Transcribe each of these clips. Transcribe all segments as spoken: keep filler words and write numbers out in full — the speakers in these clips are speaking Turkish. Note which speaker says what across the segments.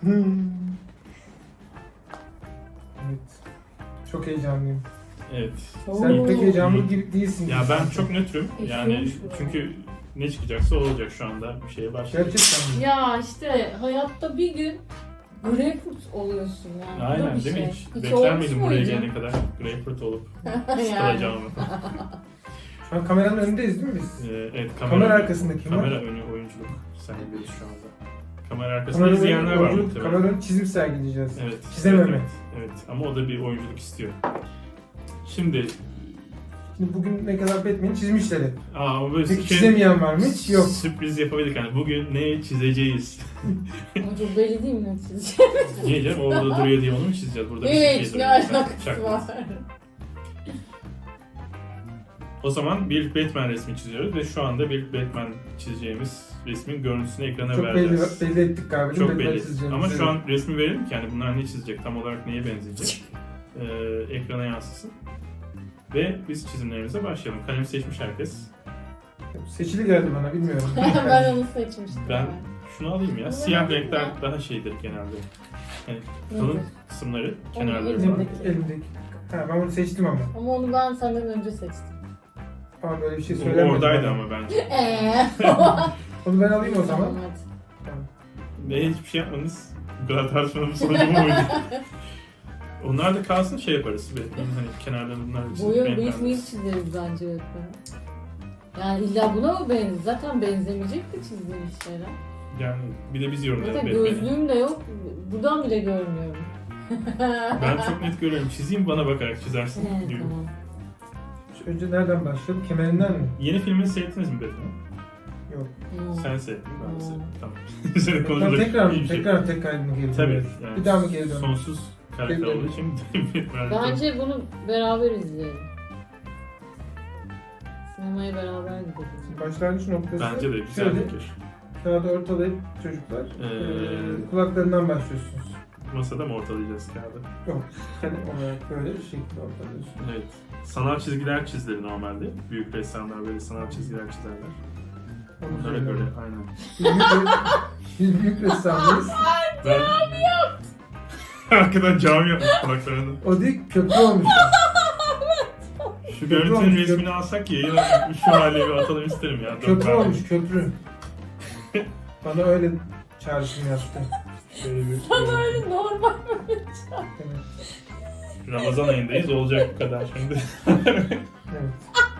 Speaker 1: Hmm. Evet. Çok heyecanlıyım.
Speaker 2: Evet.
Speaker 1: Sen
Speaker 3: Oo.
Speaker 1: pek heyecanlı gibi değilsin.
Speaker 2: Ya ben çok nötrüm. Yani
Speaker 3: Eşiyormuş bu.
Speaker 2: çünkü ne çıkacaksa o olacak şu anda. Bir şeye başlayacak.
Speaker 1: Gerçekten mi?
Speaker 3: Ya işte hayatta bir gün greyfurt oluyorsun yani. Bu da
Speaker 2: Aynen
Speaker 3: bir
Speaker 2: değil mi?
Speaker 3: şey.
Speaker 2: Hiç,
Speaker 3: Hiç
Speaker 2: bekler
Speaker 3: olmuş
Speaker 2: miydin buraya
Speaker 3: muydu?
Speaker 2: gelene kadar greyfurt olup
Speaker 3: Yani.
Speaker 2: sıkılacağımı?
Speaker 1: Şu an kameranın önündeyiz değil mi biz?
Speaker 2: Ee, evet kamera,
Speaker 1: Kamera arkasında kim var?
Speaker 2: Kamera önü oyunculuk sergiliyoruz şu anda. Kamera arkasında
Speaker 1: Kamera
Speaker 2: izleyenler var
Speaker 1: önü-
Speaker 2: muhtemelen.
Speaker 1: Kamera önü çizim sergileyeceğiz.
Speaker 2: Evet.
Speaker 1: Çizememe.
Speaker 2: Evet, evet, evet. Ama o da bir oyunculuk istiyor. Şimdi
Speaker 1: Şimdi bugün ne kadar Batman'i çizmişler hep.
Speaker 2: aa, ama böyle
Speaker 1: Peki
Speaker 2: şey-
Speaker 1: çizemeyen var mı hiç? Yok.
Speaker 2: Sürpriz yapabildik hani bugün ne çizeceğiz?
Speaker 3: Ama çok belli değil mi ne çizeceğim?
Speaker 2: Niye canım orada duruyor diye onu mu çizeceğiz? Burada bir
Speaker 3: Hiç
Speaker 2: şey
Speaker 3: ne
Speaker 2: duruyor.
Speaker 3: alakası
Speaker 2: Çak-
Speaker 3: var?
Speaker 2: O zaman bir Batman resmi çiziyoruz ve şu anda bir Batman çizeceğimiz resmin görüntüsünü ekrana
Speaker 1: Çok belli,
Speaker 2: vereceğiz.
Speaker 1: belli ettik galiba.
Speaker 2: Çok
Speaker 1: Batman
Speaker 2: belli.
Speaker 1: çizeceğimizi.
Speaker 2: Ama şu an resmi verelim ki yani bunlar ne çizecek, tam olarak neye benzeyecek, ee, ekrana yansısın. Ve biz çizimlerimize başlayalım. Kalem seçmiş herkes.
Speaker 1: Seçili geldi bana bilmiyorum.
Speaker 3: Ben onu seçmiştim.
Speaker 2: Ben şunu alayım ya.
Speaker 3: Ama
Speaker 2: Siyah
Speaker 3: ben-
Speaker 2: renkler daha şeydir genelde. Yani
Speaker 3: Nedir?
Speaker 2: kalın kısımları, kenarları
Speaker 3: elimde.
Speaker 2: falan.
Speaker 1: Elimdeki. Elimdeki. Ha, ben bunu seçtim ama.
Speaker 3: Ama onu ben senden önce seçtim.
Speaker 1: Ama böyle bir şey
Speaker 2: O
Speaker 1: söylemedim.
Speaker 2: oradaydı
Speaker 1: bana.
Speaker 2: ama bence.
Speaker 3: Eee.
Speaker 1: Onu ben alayım o zaman.
Speaker 3: Tamam, hadi.
Speaker 2: Ve hiçbir şey yapmanız bu kadar tartışmanın sonucu bu muydu? Onlar da kalsın şey yaparız. Batman'in hani kenarlarını bunlar çizip
Speaker 3: Boyun bıyık
Speaker 2: renklendiririz.
Speaker 3: mıyık çizeriz bence öğretmen. Yani illa buna mı benziyor? Zaten benzemeyecek de çizdiğimiz şeyler.
Speaker 2: Yani bir de biz yorumlayalım
Speaker 3: Zaten
Speaker 2: Batman'i.
Speaker 3: gözlüğüm de yok. Buradan bile görmüyorum.
Speaker 2: Ben çok net görüyorum. Çizeyim bana bakarak çizersin
Speaker 3: Evet,
Speaker 2: gibi.
Speaker 3: tamam.
Speaker 1: Önce nereden başlayalım? Kemerinden mi?
Speaker 2: Yeni filmini seyrettiniz mi Batman'i?
Speaker 1: Yok.
Speaker 3: Hmm.
Speaker 2: Sen seyrettin, ben de
Speaker 3: Hmm.
Speaker 2: seyrettim. Tamam. Senin
Speaker 1: Ben
Speaker 2: konuşacak
Speaker 1: tekrar mı?
Speaker 2: iyi bir şey.
Speaker 1: Tekrar tekrar mı geri
Speaker 2: Tabii.
Speaker 1: dönüyoruz?
Speaker 2: Yani
Speaker 1: Bir daha mı geri dönüyoruz?
Speaker 2: Sonsuz karakter
Speaker 1: Geri
Speaker 2: olduğu için Batman'de-
Speaker 3: Bence bunu beraber izleyelim. Sinemaya beraber gidelim.
Speaker 1: Başlangıç noktası.
Speaker 2: Bence de güzel
Speaker 1: şöyle,
Speaker 2: fikir.
Speaker 1: kağıdı ortalayıp çocuklar
Speaker 2: Ee,
Speaker 1: ee, kulaklarından başlıyorsunuz.
Speaker 2: Masada mı ortalayacağız kağıdı?
Speaker 1: Yok. Hani olarak böyle bir şekilde ortalıyorsunuz.
Speaker 2: Evet. Sanal çizgiler çizilir normalde. Büyük ressamlar böyle sanal çizgiler çizerler.
Speaker 1: Onu
Speaker 2: Onlara
Speaker 1: söylüyorum.
Speaker 2: göre aynen.
Speaker 1: Biz büyük, biz büyük ressamlarız.
Speaker 2: Ben... Arkadan cami yapmış kulaklarını.
Speaker 1: O değil köprü olmuş.
Speaker 2: Şu
Speaker 1: Köprü
Speaker 2: görüntünün
Speaker 1: olmuş,
Speaker 2: resmini alsak ya yine şu hale bir atalım isterim ya.
Speaker 1: Köprü olmuş köprü. Bana öyle çağrışım yaptı.
Speaker 2: Böyle bir,
Speaker 3: Bana öyle normal.
Speaker 1: Evet.
Speaker 2: Ramazan ayındayız olacak bu kadar şimdi.
Speaker 1: Evet.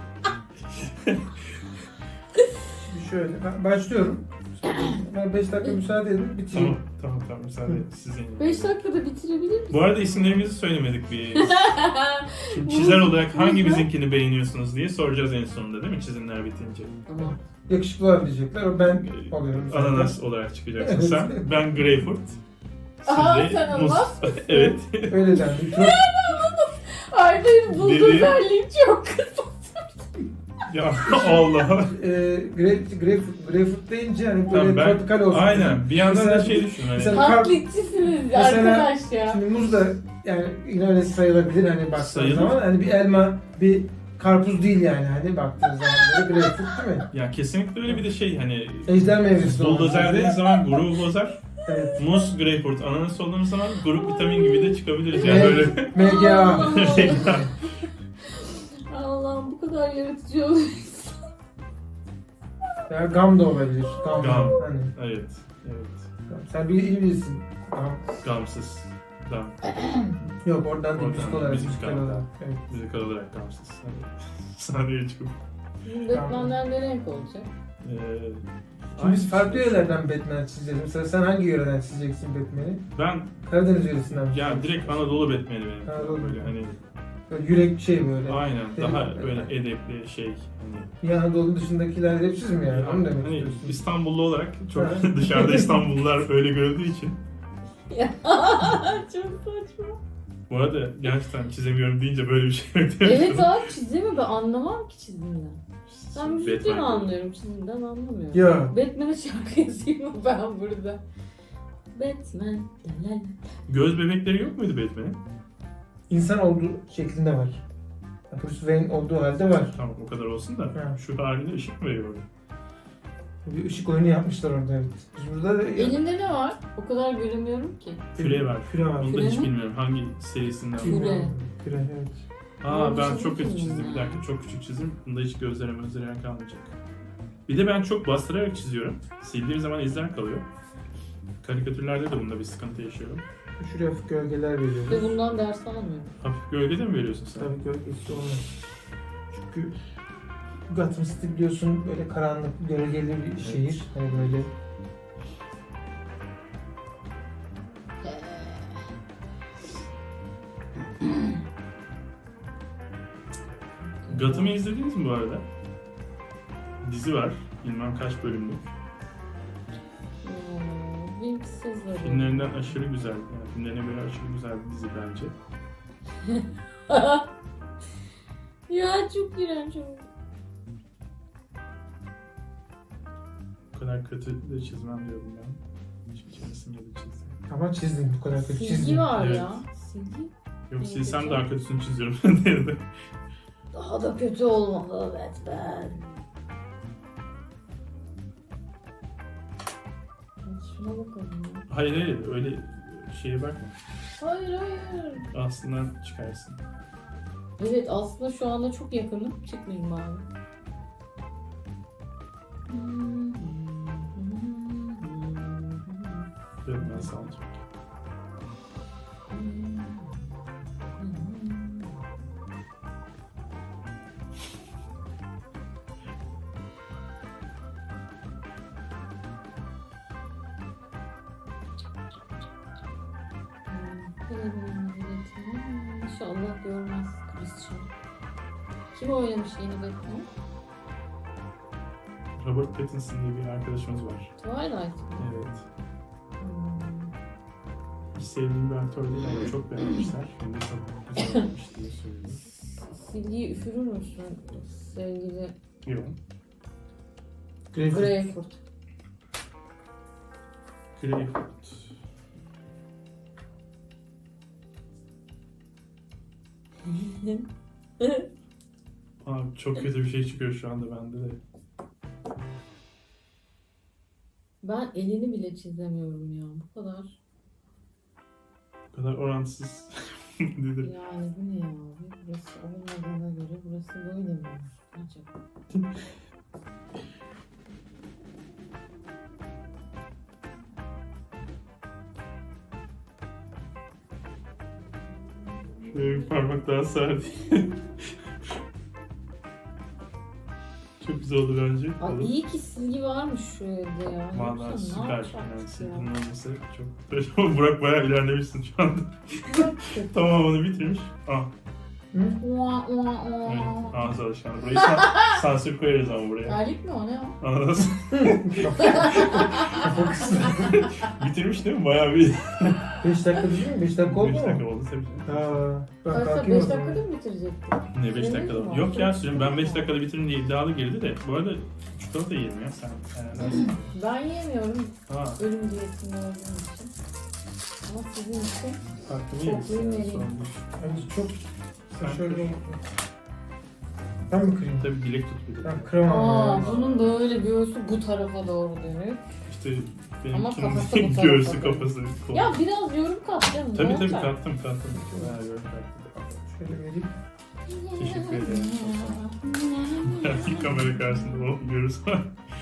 Speaker 1: Şimdi şöyle ben başlıyorum. Ben beş dakika müsaade edin bitireyim.
Speaker 2: tamam tamam tamam müsaade sizin.
Speaker 3: beş dakikada bitirebilir misin?
Speaker 2: Bu arada isimlerimizi söylemedik bir. Şimdi çizer olarak hangimizinkini beğeniyorsunuz diye soracağız en sonunda değil mi çizimler bitince.
Speaker 3: Tamam.
Speaker 1: Yakışıklılar diyecekler. O ben oluyorum. zaten.
Speaker 2: Ananas olarak çıkacaksın
Speaker 1: Evet.
Speaker 2: sen. Ben greyfurt. Siz
Speaker 3: Aha,
Speaker 2: de
Speaker 3: sen
Speaker 2: muz.
Speaker 3: ananas mısın?
Speaker 2: Evet.
Speaker 1: Öyle dendi. Çok
Speaker 3: Arda'nın bulduğu
Speaker 2: Dedi-
Speaker 3: özelliği çok kısa.
Speaker 2: Ya Allah.
Speaker 1: e, grape, grapefruit, grapefruit deyince hani böyle
Speaker 2: Tamam, ben-
Speaker 1: tropikal olsun.
Speaker 2: Aynen. Bir yandan da
Speaker 1: Mesela-
Speaker 2: şey düşün hani.
Speaker 1: mesela- Kar-
Speaker 3: Taklitçisiniz
Speaker 1: Mesela-
Speaker 3: arkadaş ya.
Speaker 1: Şimdi muz da yani yine öyle sayılabilir hani baktığın
Speaker 2: Sayılır.
Speaker 1: zaman. Hani bir elma, bir karpuz değil yani hani baktığın zaman böyle grapefruit değil mi?
Speaker 2: Ya kesinlikle öyle bir de şey hani
Speaker 1: Ejder meyvesi.
Speaker 2: buldozer
Speaker 1: olması.
Speaker 2: dediğiniz zaman grubu bozar.
Speaker 1: Evet.
Speaker 2: Muz, greyfurt, ananas olduğumuz zaman grup vitamin gibi de çıkabiliriz. Yani
Speaker 1: Evet.
Speaker 2: böyle
Speaker 1: M G A.
Speaker 3: Allah. Allah'ım bu kadar yaratıcı oluyorsun.
Speaker 1: Ya gam da olabilir. Gam.
Speaker 2: Gam.
Speaker 1: Hani,
Speaker 2: evet. Evet.
Speaker 1: gam. Sen bir iyi bilirsin. Gam.
Speaker 2: Gamsız. Gam.
Speaker 1: Yok oradan değil.
Speaker 2: Oradan
Speaker 1: Müzik olarak.
Speaker 2: müzik
Speaker 1: Müzik
Speaker 2: gam.
Speaker 1: olarak. Evet.
Speaker 2: Müzik olarak gamsız. Hani sahneye çıkıp.
Speaker 3: Batman'ler ne renk olacak?
Speaker 2: Ee,
Speaker 1: Şimdi biz
Speaker 2: aynı
Speaker 1: farklı
Speaker 2: şey.
Speaker 1: yörelerden Batman çizeceğiz. Mesela sen hangi yöreden çizeceksin Batman'i?
Speaker 2: Ben
Speaker 1: Karadeniz yöresinden mi?
Speaker 2: ya direkt Anadolu Batman'i benim.
Speaker 1: Anadolu.
Speaker 2: Böyle hani
Speaker 1: Böyle yürek şey böyle.
Speaker 2: aynen daha
Speaker 1: Benim-
Speaker 2: böyle edepli şey hani.
Speaker 1: Bir Anadolu dışındakiler hepsiz mi yani? Onu demek
Speaker 2: Hani
Speaker 1: istiyorsun.
Speaker 2: İstanbullu olarak çok
Speaker 1: Ha.
Speaker 2: dışarıda İstanbullular öyle görüldüğü için.
Speaker 3: Ya çok saçma.
Speaker 2: Bu arada gerçekten çizemiyorum deyince böyle bir şey
Speaker 3: Evet abi çizimi ben anlamam ki çizimden. Ben müzikten
Speaker 2: Batman.
Speaker 3: anlıyorum çizimden anlamıyorum.
Speaker 1: Ya
Speaker 3: Batman'e şarkı yazayım mı ben burada? Batman. la la la.
Speaker 2: Göz bebekleri yok muydu Batman'in?
Speaker 1: insan olduğu şeklinde var. Bruce Wayne olduğu halde var.
Speaker 2: Tamam o kadar olsun da
Speaker 1: Ha.
Speaker 2: şu halinde ışık mı veriyor orada?
Speaker 1: Bir ışık oyunu yapmışlar orada, evet. Biz burada da...
Speaker 3: Elinde ne var? O kadar göremiyorum ki.
Speaker 2: Küre var.
Speaker 1: Küre var.
Speaker 2: Onu da
Speaker 3: Küre
Speaker 2: hiç
Speaker 3: mi?
Speaker 2: bilmiyorum hangi serisinden.
Speaker 3: Küre.
Speaker 1: Küre. Küre, evet.
Speaker 2: Aa ben
Speaker 3: Onu
Speaker 2: çok kötü
Speaker 3: çizdim
Speaker 2: çizdim.
Speaker 3: ya.
Speaker 2: Bir dakika çok küçük çizdim. Bunda hiç gözlerime gözlerime kalmayacak. Bir de ben çok bastırarak çiziyorum. Sildiğim zaman izler kalıyor. Karikatürlerde de bunda bir sıkıntı yaşıyorum.
Speaker 1: Şuraya hafif gölgeler
Speaker 3: Ve
Speaker 1: veriyoruz.
Speaker 3: bundan ders alamıyorum.
Speaker 2: Hafif gölge de mi veriyorsun sen?
Speaker 1: Tabii gölgesi olmaz. Çünkü Gotham City biliyorsun böyle karanlık, gölgeli bir şehir. Hani böyle
Speaker 2: Gotham'ı izlediniz mi bu arada? Dizi var. Bilmem kaç bölümlük.
Speaker 3: Hmm, Winks'sızları.
Speaker 2: Filmlerinden aşırı güzel. Yani filmlerine göre aşırı güzel bir dizi bence.
Speaker 3: Ya çok iğrenç oldu.
Speaker 2: Bu kadar kötü de çizmem diyordum ben. Hiçbir keresinde de çizdim.
Speaker 1: ama çizdin, bu kadar kötü
Speaker 3: Silgi
Speaker 1: çizdin.
Speaker 3: var
Speaker 2: Evet.
Speaker 3: ya. Silgi.
Speaker 2: Yok
Speaker 3: İyi,
Speaker 2: silsem
Speaker 3: peki.
Speaker 2: daha kötüsünü çiziyorum diyordu.
Speaker 3: Daha da kötü olmalı Batman. Şuna bakalım ya.
Speaker 2: Hayır hayır öyle şeye bakma.
Speaker 3: Hayır hayır.
Speaker 2: Aslında çıkarsın.
Speaker 3: Evet aslında şu anda çok yakınım. Çıkmayayım abi.
Speaker 2: Diyorum ben sanacağım.
Speaker 3: İnşallah görmez Christian. Kim oynamış yeni Batman?
Speaker 2: Robert Pattinson diye bir arkadaşımız var.
Speaker 3: Twilight mı?
Speaker 2: Evet.
Speaker 3: Hmm.
Speaker 2: Hiç sevdiğim bir aktör değil ama çok beğenmişler. Şimdi çok güzel olmuş diye söylüyor.
Speaker 3: Silgiyi üfürür müsün sevgili
Speaker 2: Yok.
Speaker 1: Greyfurt.
Speaker 3: Greyfurt?
Speaker 2: Greyfurt. Abi çok kötü bir şey çıkıyor şu anda bende de.
Speaker 3: Ben elini bile çizemiyorum ya. Bu kadar.
Speaker 2: Bu kadar orantısız dedi.
Speaker 3: Yani bu ne ya abi? Burası olmadığına göre burası böyle mi? Acaba?
Speaker 2: Şöyle bir parmak daha sağ diye. Çok güzel oldu bence.
Speaker 3: Ay
Speaker 2: Olur.
Speaker 3: iyi ki silgi varmış şu evde ya.
Speaker 2: Vallahi
Speaker 3: Yoksa ne
Speaker 2: süper. Yani
Speaker 3: yapacaktık
Speaker 2: silginin
Speaker 3: ya?
Speaker 2: olması çok... Burak bayağı ilerlemişsin şu anda. Tamam onu bitirmiş. Ah.
Speaker 1: Hı?
Speaker 3: Ua, ua,
Speaker 2: Evet.
Speaker 3: ua.
Speaker 2: Ağız alışkanlığı. Burayı san sansür koyarız ama buraya.
Speaker 3: Terlik mi o ne o?
Speaker 2: Anladınız mı?
Speaker 1: Kafa kısmı.
Speaker 2: Bitirmiş değil mi? Bayağı bir...
Speaker 1: beş dakika değil mi? beş dakika oldu
Speaker 2: beş
Speaker 1: mu?
Speaker 2: dakika oldu tabii canım.
Speaker 1: Aa, ben
Speaker 3: Oysa
Speaker 1: kalkayım o
Speaker 3: beş
Speaker 1: zaman.
Speaker 3: dakikada mı bitirecektin?
Speaker 2: Ne beş
Speaker 3: Süremiz
Speaker 2: dakikada?
Speaker 3: mi var?
Speaker 2: Yok ya sürem. Ben beş dakikada bitiririm diye iddialı girdi de. Bu arada çikolata yerim ya sen. Yani
Speaker 3: Ben yiyemiyorum
Speaker 2: ha,
Speaker 3: ölüm diyetinde olduğum için. Ama sizin için
Speaker 2: farklı
Speaker 3: Çok
Speaker 2: mıyız?
Speaker 3: iyi
Speaker 2: Sorun
Speaker 3: vereyim.
Speaker 2: değil.
Speaker 1: Bence çok...
Speaker 2: Sen
Speaker 1: Şöyle...
Speaker 2: kır.
Speaker 1: Ben mi kırayım?
Speaker 2: Tabii dilek tut bir de.
Speaker 1: Ben kıramam
Speaker 3: Aa,
Speaker 1: ya.
Speaker 3: bunun böyle göğsü bu tarafa doğru dönük.
Speaker 2: İşte
Speaker 3: Ama
Speaker 2: benimkinin
Speaker 3: kafası bu tarafa
Speaker 2: göğsü
Speaker 3: doğru.
Speaker 2: kafası. kolu.
Speaker 3: Ya biraz yorum kat canım.
Speaker 2: Tabii
Speaker 3: ne
Speaker 2: tabii
Speaker 3: olacak?
Speaker 2: kattım kattım. Ha, yorum kattım.
Speaker 1: Şöyle vereyim.
Speaker 2: Teşekkür ederim. Belki kamera karşısında o görürsen.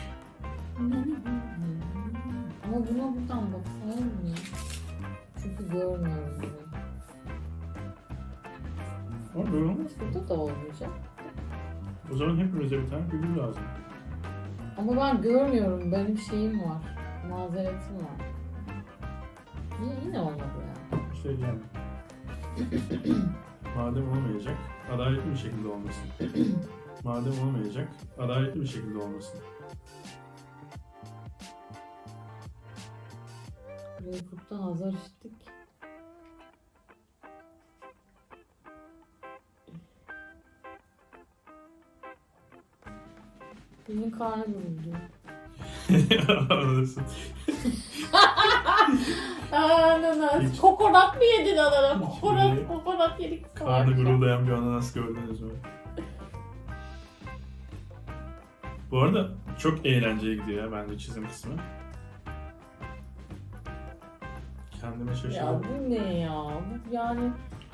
Speaker 3: Ama buna buradan baksana mı? Çünkü görmüyorum bunu.
Speaker 2: Ama böyle olmaz.
Speaker 3: Burada da olmayacak.
Speaker 2: O zaman hepimize bir tane figür lazım.
Speaker 3: Ama ben görmüyorum. Benim şeyim var. Mazeretim var. Yine, yine olmadı ya.
Speaker 2: İşte yani. Madem olmayacak, adaletli bir şekilde olmasın. Madem olmayacak, adaletli bir şekilde olmasın.
Speaker 3: Greyfurt'tan azar işittik. Benim karnı guruldu.
Speaker 2: Anladın.
Speaker 3: Ananas.
Speaker 2: Hiç-
Speaker 3: Kokonat mı yedin ananas?
Speaker 2: Hiç
Speaker 3: Kokonat,
Speaker 2: böyle
Speaker 3: kokonat yedik.
Speaker 2: Karnı guruldayan bir ananas gördünüz mü? Bu arada çok eğlenceli gidiyor ya bence çizim kısmı. Kendime
Speaker 3: Ya
Speaker 2: şaşırdım.
Speaker 3: bu ne ya? Bu yani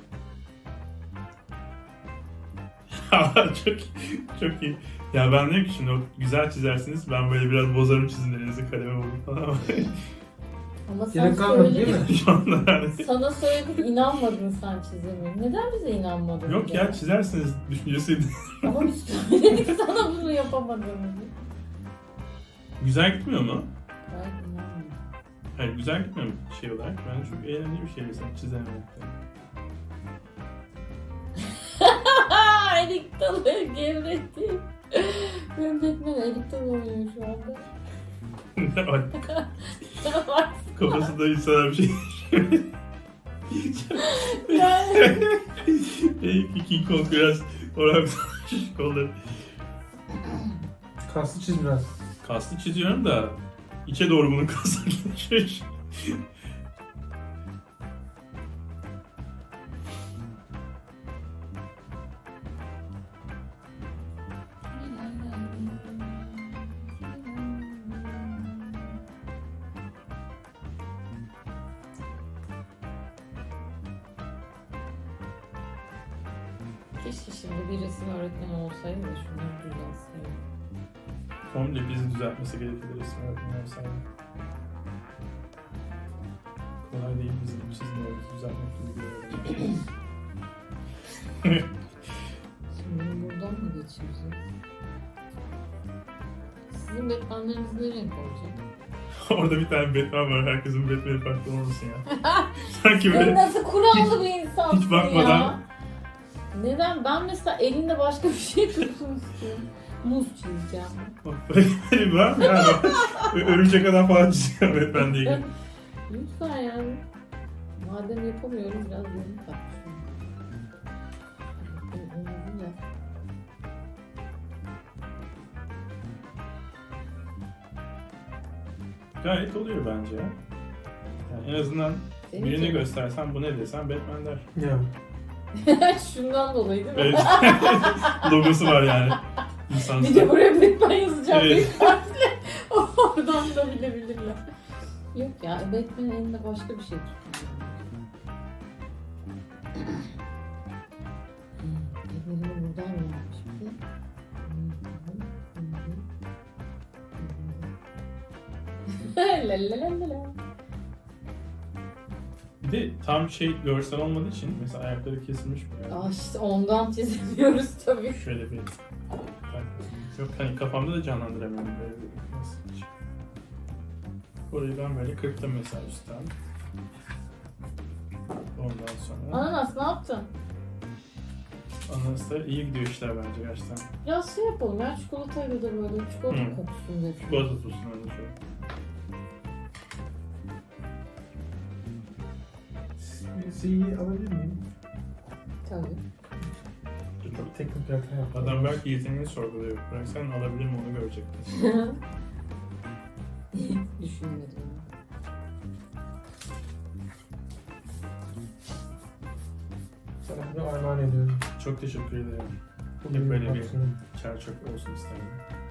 Speaker 2: çok çok iyi. Ya ben diyorum ki şimdi o güzel çizersiniz. Ben böyle biraz bozarım çizimlerinizi kaleme vurup falan ama
Speaker 3: ama sen
Speaker 1: Gerek kalmadı değil
Speaker 3: söyledin.
Speaker 1: mi?
Speaker 2: şu anda yani.
Speaker 3: Sana söyledik inanmadın sen çizime. Neden bize inanmadın?
Speaker 2: Yok ya çizersiniz düşüncesiydi.
Speaker 3: Ama biz söyledik sana bunu yapamadığımızı.
Speaker 2: Güzel gitmiyor mu?
Speaker 3: Ben inanmıyorum.
Speaker 2: Hayır güzel gitmiyor mu şey olarak? Bence çok eğlenceli bir şey mesela çizememekte.
Speaker 3: Elik dalı gevretti. Benim Batman elik dalı oynuyor şu anda.
Speaker 2: Kafasında insana bir şey.
Speaker 3: Yani
Speaker 2: Belki King Kong biraz orak kolları.
Speaker 1: Kaslı çiz biraz.
Speaker 2: Kaslı çiziyorum da içe doğru bunun kasları geçiyor.
Speaker 3: keşke şimdi bir resim öğretmeni olsaydı da şunları düzelseydim.
Speaker 2: Komple bizi düzeltmesi gerekir resim öğretmeni olsaydı. Kolay değil bizim çizimlerimizi düzeltmek gibi bir yer.
Speaker 3: Şimdi buradan mı geçireceğiz? Sizin Batman'leriniz ne renk olacak?
Speaker 2: Orada bir tane Batman var. Herkesin Batman'i farklı olmasın ya. Sanki
Speaker 3: Sen
Speaker 2: böyle
Speaker 3: nasıl kurallı bir insansın
Speaker 2: hiç bakmadan-
Speaker 3: ya? Neden? Ben mesela elinde başka bir şey tutsun istiyorum. Muz çizeceğim.
Speaker 2: böyle var mı yani? Örümcek adam falan çiziyor Batman diye. gibi.
Speaker 3: Lütfen yani. Madem yapamıyorum biraz yorum kat şuna. Benim omuzum ya.
Speaker 2: Gayet oluyor bence ya. Yani en azından
Speaker 3: Senin
Speaker 2: birini
Speaker 3: için-
Speaker 2: göstersen bu ne desen Batman der.
Speaker 1: Ya.
Speaker 3: Şundan dolayı değil mi?
Speaker 2: Evet. Logosu var yani. İnsan
Speaker 3: Bir de buraya Batman yazacağım.
Speaker 2: Evet.
Speaker 3: Büyük harfle. Oradan da bilebilirler. Yok ya Batman'in elinde başka bir şey tutuyor. Ellerini buradan mı yapmış bir de? La la la la la.
Speaker 2: Bir de tam şey görsel olmadığı için mesela ayakları kesilmiş böyle.
Speaker 3: Aa işte ondan çizemiyoruz tabii.
Speaker 2: Şöyle bir yok hani kafamda da canlandıramıyorum böyle bir nasıl bir şey. Orayı ben böyle kırptım mesela üstten. Ondan sonra
Speaker 3: Ananas ne yaptın?
Speaker 2: Anas'ta iyi gidiyor işler bence gerçekten.
Speaker 3: Biraz şey yapalım ya çikolatayla da böyle çikolata
Speaker 2: Hı.
Speaker 3: kokusun dedi.
Speaker 2: Çikolata tutsun öyle şöyle.
Speaker 1: Şeyi alabilir miyim?
Speaker 3: Tabii.
Speaker 1: Çok teknik bir hata yaptım.
Speaker 2: Adam belki yeteneğini sorguluyor. Bırak sen alabilir mi onu görecek.
Speaker 3: Düşünmedim.
Speaker 1: Sana bunu armağan ediyorum.
Speaker 2: Çok teşekkür ederim.
Speaker 1: Bugün
Speaker 2: Hep böyle bir
Speaker 1: baksana.
Speaker 2: çer çöp olsun isterim.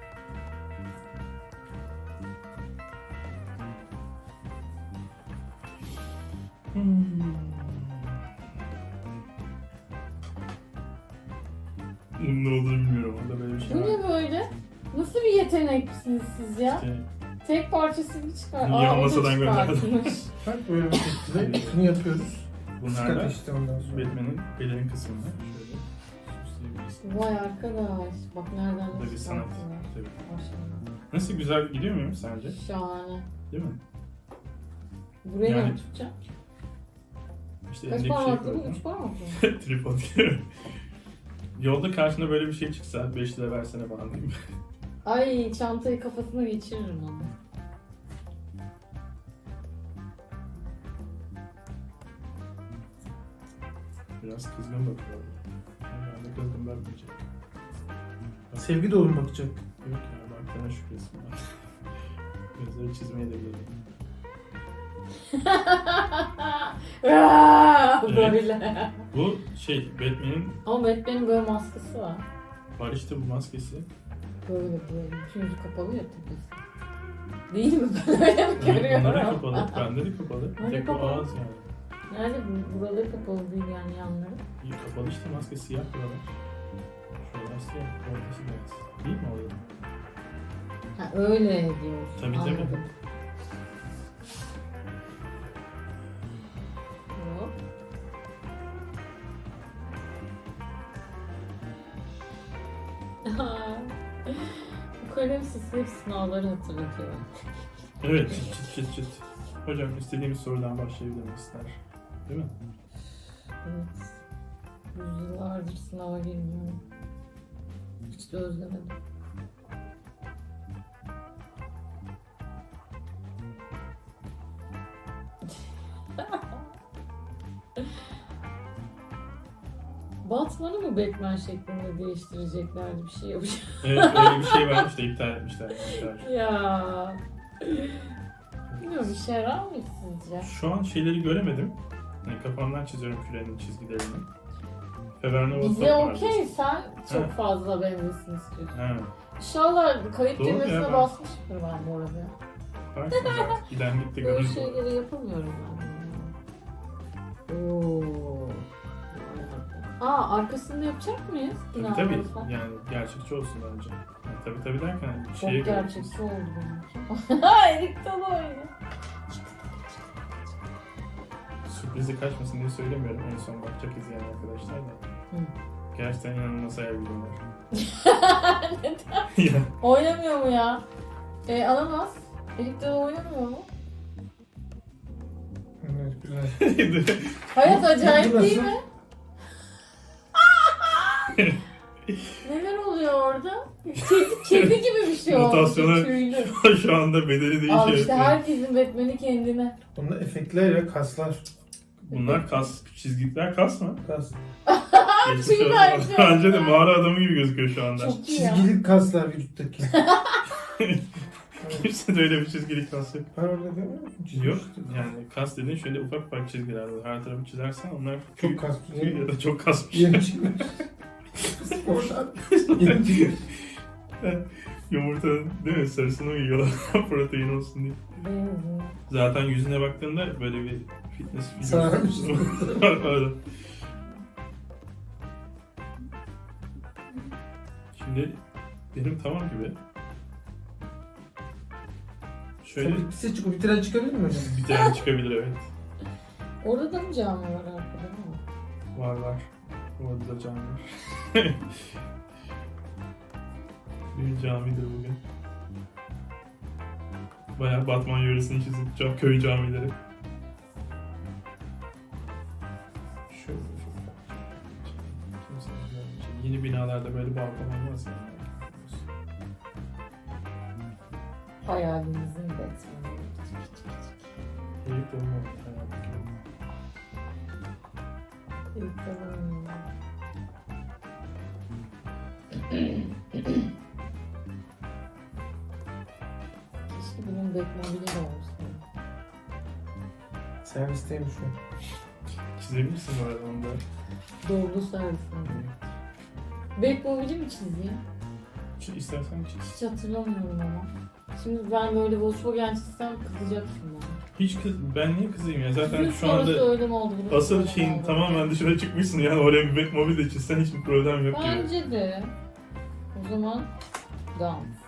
Speaker 2: Bunun ne olduğunu bilmiyorum. Orada böyle bir şey
Speaker 3: Bu
Speaker 2: var.
Speaker 3: ne böyle? Nasıl bir yeteneksiniz siz ya?
Speaker 2: İşte
Speaker 3: Tek parçasını çıkar.
Speaker 2: Niye
Speaker 3: Aa, o da
Speaker 2: masadan gönderdim?
Speaker 3: çıkartmış.
Speaker 1: Bak böyle bir şekilde şunu yapıyoruz.
Speaker 2: bunlar
Speaker 1: Sıkat
Speaker 2: da
Speaker 1: işte ondan sonra.
Speaker 2: Batman'in belirli kısmında. Şöyle süsleyebilirsin.
Speaker 3: Vay arkadaş. Bak nereden
Speaker 2: Bu da bir
Speaker 3: nasıl
Speaker 2: sanat.
Speaker 3: çıkarttılar.
Speaker 2: Tabii.
Speaker 3: Maşallah.
Speaker 2: Nasıl güzel gidiyor muyum sence?
Speaker 3: Şahane.
Speaker 2: Değil mi?
Speaker 3: Buraya
Speaker 2: Yani-
Speaker 3: ne tutacağım?
Speaker 2: İşte
Speaker 3: Kaç
Speaker 2: elindeki şey
Speaker 3: parmaklı bu?
Speaker 2: koydum.
Speaker 3: Üç parmaklı mı?
Speaker 2: Tripod. Yolda karşına böyle bir şey çıksa beş lira versene falan diyeyim.
Speaker 3: Ay çantayı kafasına geçiririm onu.
Speaker 2: Biraz kızgın bakıyor. Ben de kızgın bakmayacak.
Speaker 1: Sevgi dolu mu bakacak?
Speaker 2: Yok ya baktığına şükresin ben. Gözleri çizmeye de geliyor.
Speaker 3: Aa,
Speaker 2: Evet.
Speaker 3: böyle.
Speaker 2: Bu şey Batman'in
Speaker 3: Ama Batman'in böyle maskesi var.
Speaker 2: Var işte bu maskesi.
Speaker 3: Böyle böyle. Bütün yüzü kapalı ya tepesi. Değil mi? Ben öyle mi görüyorum?
Speaker 2: Bunlar kapalı. Bende de kapalı.
Speaker 3: Hani
Speaker 2: Tek bu
Speaker 3: kapalı?
Speaker 2: ağız yani.
Speaker 3: Nerede bu? Buraları kapalı değil yani yanları.
Speaker 2: İyi, kapalı işte maske siyah buralar. Şuralar siyah. Ortası beyaz. Değil mi orada?
Speaker 3: Ha öyle diyorsun.
Speaker 2: Tabii, tabii.
Speaker 3: Anladım. Hop. Bu kalem sesi hep sınavları hatırlatıyor.
Speaker 2: Evet, çıt çıt çıt çıt. Hocam istediğimiz sorudan başlayabilir ister. Değil mi?
Speaker 3: Evet. Yüzyıllardır sınava girmiyorum. Hiç de özlemedim. Batman'ı mı Batman şeklinde değiştireceklerdi, bir şey yapacak.
Speaker 2: Evet, öyle bir şey varmış da iptal etmişler. iptal.
Speaker 3: Ya. Bilmiyorum, işe yarar mı sizce?
Speaker 2: Şu an şeyleri göremedim. Yani kafamdan çiziyorum kürenin çizgilerini. Fevernova
Speaker 3: Bize
Speaker 2: Top vardı.
Speaker 3: okey, sen çok
Speaker 2: Ha.
Speaker 3: fazla benzesin istiyorsun.
Speaker 2: Ha,
Speaker 3: İnşallah kayıt
Speaker 2: Doğru ya,
Speaker 3: düğmesine
Speaker 2: ben-
Speaker 3: basmıştır ben bu arada.
Speaker 2: baksana artık giden gitti
Speaker 3: Böyle
Speaker 2: görüntü.
Speaker 3: şeyleri yapamıyorum ben. Oo. Aa, arkasında yapacak mıyız?
Speaker 2: Tabii
Speaker 3: Binaları
Speaker 2: tabii.
Speaker 3: falan?
Speaker 2: Yani gerçekçi olsun bence. Yani, tabii tabii derken
Speaker 3: Çok
Speaker 2: şeye göre.
Speaker 3: gerçekçi oldu benimki. Ha, Erik Dalı oyunu.
Speaker 2: Sürprizi kaçmasın diye söylemiyorum. En son bakacak izleyen arkadaşlar da.
Speaker 3: Hı.
Speaker 2: Gerçekten inanılmaz hayal gücüm var.
Speaker 3: Neden?
Speaker 2: Ya,
Speaker 3: Oynamıyor mu ya? E, alamaz. Erik Dalı oynamıyor mu?
Speaker 1: Evet, güzel.
Speaker 3: Hayat acayip
Speaker 1: Burası-
Speaker 3: değil mi? Neler oluyor orada? Kedi, kedi gibi bir şey oldu.
Speaker 2: Mutasyona-
Speaker 3: Tüylü.
Speaker 2: Şu anda bedeli değişiyor.
Speaker 3: Al işte herkesin Batman'i kendine.
Speaker 1: Bunda efektler ya, kaslar.
Speaker 2: Bunlar kas, çizgiler kas mı?
Speaker 1: Kas.
Speaker 2: Geçmiş
Speaker 3: Tüy
Speaker 2: olsun.
Speaker 3: bence.
Speaker 2: Bence de mağara adamı gibi gözüküyor şu anda.
Speaker 3: Çok iyi ya.
Speaker 1: Çizgili kaslar vücuttaki.
Speaker 2: Kimse de öyle bir çizgili kas yok.
Speaker 1: Var orada değil mi?
Speaker 2: Yok. Yani kas dediğin şöyle ufak ufak çizgiler var. Her tarafı çizersen onlar
Speaker 1: Çok kas.
Speaker 2: tüy ya da çok kasmış.
Speaker 1: Yeni çıkmış. Oradan yeni çıkmış.
Speaker 2: Yumurtanın değil mi sarısını mı yiyorlar protein olsun diye.
Speaker 3: Benziyor.
Speaker 2: Zaten yüzüne baktığında böyle bir fitness
Speaker 1: Sararmış.
Speaker 2: Öyle. Şimdi benim tamam gibi. Şöyle
Speaker 1: Sen bitse çıkıyor. Bitiren çıkabilir mi hocam?
Speaker 2: bir tane çıkabilir evet.
Speaker 3: Orada da mı cami var arkada mı?
Speaker 2: Var var. Orada da cami var. Bir camidir bugün. Bayağı Batman yöresini çizip ca- köy camileri. Şöyle Kimse görmeyecek. Yeni binalarda böyle balkon olmaz yani.
Speaker 3: Hayalimizin Batman'i.
Speaker 2: Eyüp de olmadı hayatım.
Speaker 3: Erik Dalı oynuyor. Keşke benim Batman'im de olsa.
Speaker 1: Servisteyim şu an.
Speaker 2: Çizebilirsin bu arada onu da.
Speaker 3: Doğru servisinde. Batmobile'i mi çizeyim?
Speaker 2: Ç- İstersen çiz.
Speaker 3: Hiç hatırlamıyorum ama. Şimdi ben böyle Volkswagen çizsem kızacaksın bana.
Speaker 2: Hiç kız, ben niye kızayım ya? Zaten
Speaker 3: Gün
Speaker 2: şu
Speaker 3: sonrası
Speaker 2: anda
Speaker 3: öyle mi oldu? burası
Speaker 2: asıl
Speaker 3: öyle mi
Speaker 2: şeyin
Speaker 3: oldu?
Speaker 2: tamamen dışına çıkmışsın yani oraya bir Batmobile de çizsen hiçbir problem yok gibi.
Speaker 3: Bence de. O zaman dans.